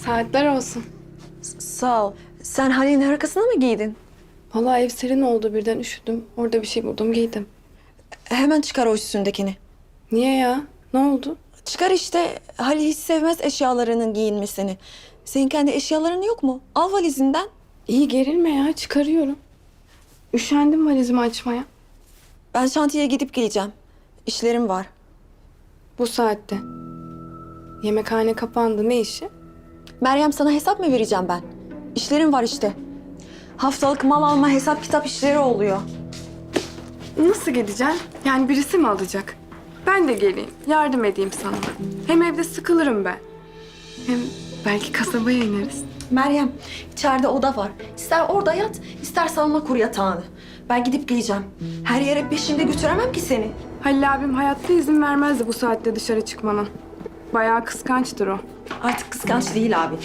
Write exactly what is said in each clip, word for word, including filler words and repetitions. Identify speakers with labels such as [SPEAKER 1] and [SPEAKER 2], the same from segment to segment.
[SPEAKER 1] Saatler olsun.
[SPEAKER 2] S- Sağ ol. Sen Halil'in hırkasını mı giydin?
[SPEAKER 1] Vallahi ev serin oldu, birden üşüdüm. Orada bir şey buldum, giydim.
[SPEAKER 2] Hemen çıkar o üstündekini.
[SPEAKER 1] Niye ya? Ne oldu?
[SPEAKER 2] Çıkar işte. Halil hiç sevmez eşyalarının giyinmesini. Senin kendi eşyaların yok mu? Al valizinden.
[SPEAKER 1] İyi, gerilme ya, çıkarıyorum. Üşendim valizimi açmaya.
[SPEAKER 2] Ben şantiyeye gidip geleceğim. İşlerim var.
[SPEAKER 1] Bu saatte. Yemekhane kapandı, ne işi?
[SPEAKER 2] Meryem, sana hesap mı vereceğim ben? İşlerim var işte. Haftalık mal alma, hesap kitap işleri oluyor.
[SPEAKER 1] Nasıl gideceksin? Yani birisi mi alacak? Ben de geleyim, yardım edeyim sana. Hem evde sıkılırım ben. Hem belki kasabaya ineriz.
[SPEAKER 2] Meryem, içeride oda var. İster orada yat, ister salma kur yatağını. Ben gidip geleceğim. Her yere peşimde götüremem ki seni.
[SPEAKER 1] Halil abim hayatta izin vermezdi bu saatte dışarı çıkmana. Bayağı kıskançtır o.
[SPEAKER 2] Artık kıskanç değil abi.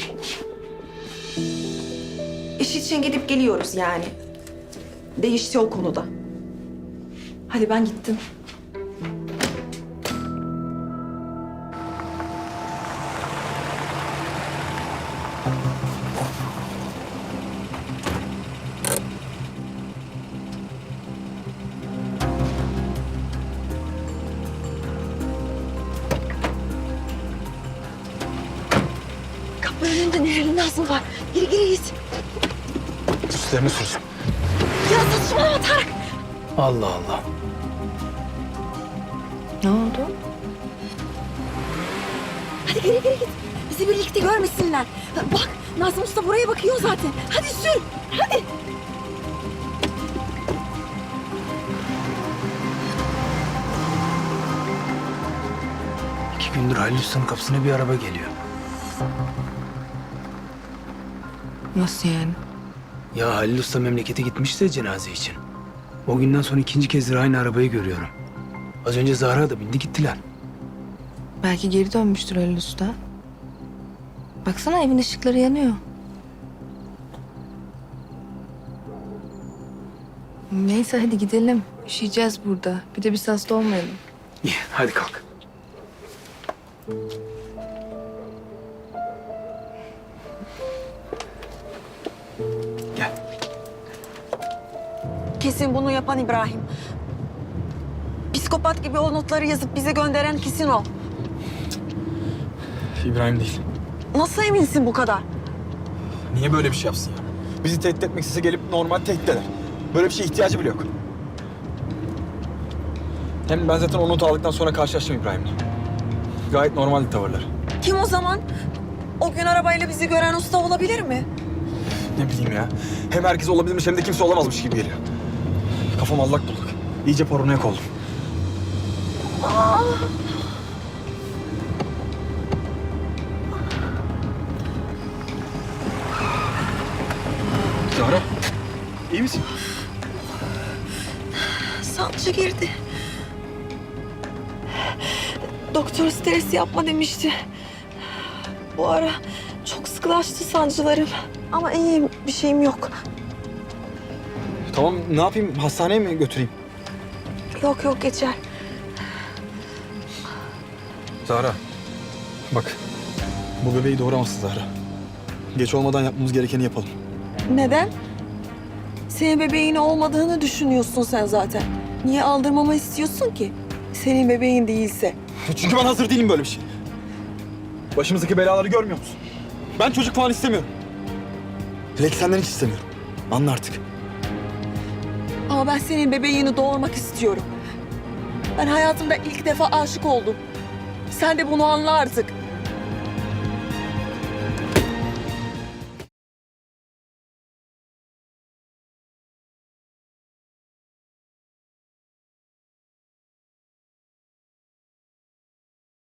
[SPEAKER 2] İş için gidip geliyoruz yani. Değişti o konuda. Hadi ben gittim. Kapı önünde Nehir'in Nazlı var. Geri geri git.
[SPEAKER 3] Üstlerini sürsün.
[SPEAKER 2] Ya saçmalama Tarık.
[SPEAKER 3] Allah Allah.
[SPEAKER 2] Ne oldu? Hadi geri geri git. Bizi birlikte görmesinler. Bak, Nazım Usta buraya bakıyor zaten. Hadi sür, hadi.
[SPEAKER 3] İki gündür Halil Usta'nın kapısına bir araba geliyor.
[SPEAKER 1] Nasıl yani?
[SPEAKER 3] Ya Halil Usta memlekete gitmişti ya cenaze için. O günden sonra ikinci kezdir aynı arabayı görüyorum. Az önce Zahra da bindi gittiler.
[SPEAKER 4] Belki geri dönmüştür Halil Usta. Baksana evin ışıkları yanıyor. Neyse hadi gidelim. Üşüyeceğiz burada. Bir de biz hasta olmayalım.
[SPEAKER 3] İyi hadi kalk. Gel.
[SPEAKER 2] Kesin bunu yapan İbrahim. Psikopat gibi o notları yazıp bize gönderen kesin o.
[SPEAKER 5] İbrahim değil.
[SPEAKER 2] Nasıl eminsin bu kadar?
[SPEAKER 5] Niye böyle bir şey yapsın ya? Bizi tehdit etmek istese gelip normal tehdit eder. Böyle bir şeye ihtiyacı bile yok. Hem ben zaten o notu aldıktan sonra karşılaştım İbrahim'le. Gayet normaldi tavırları.
[SPEAKER 2] Kim o zaman? O gün arabayla bizi gören usta olabilir mi?
[SPEAKER 5] Ne bileyim ya. Hem herkes olabilirmiş hem de kimse olamazmış gibi geliyor. Kafam allak bullak. İyice paranoyak oldum. Zahra, iyi misin?
[SPEAKER 2] Sancı girdi. Doktor stres yapma demişti. Bu ara çok sıkılaştı sancılarım. Ama iyiyim, bir şeyim yok.
[SPEAKER 5] Tamam, ne yapayım? Hastaneye mi götüreyim?
[SPEAKER 2] Yok yok, geçer.
[SPEAKER 5] Zahra, bak. Bu bebeği doğuramazsın Zahra. Geç olmadan yapmamız gerekeni yapalım.
[SPEAKER 2] Neden? Senin bebeğin olmadığını düşünüyorsun sen zaten. Niye aldırmamı istiyorsun ki? Senin bebeğin değilse.
[SPEAKER 5] Çünkü ben hazır değilim böyle bir şey. Başımızdaki belaları görmüyor musun? Ben çocuk falan istemiyorum. Hele ki senden hiç istemiyorum. Anla artık.
[SPEAKER 2] Ama ben senin bebeğini doğurmak istiyorum. Ben hayatımda ilk defa aşık oldum. Sen de bunu anla artık.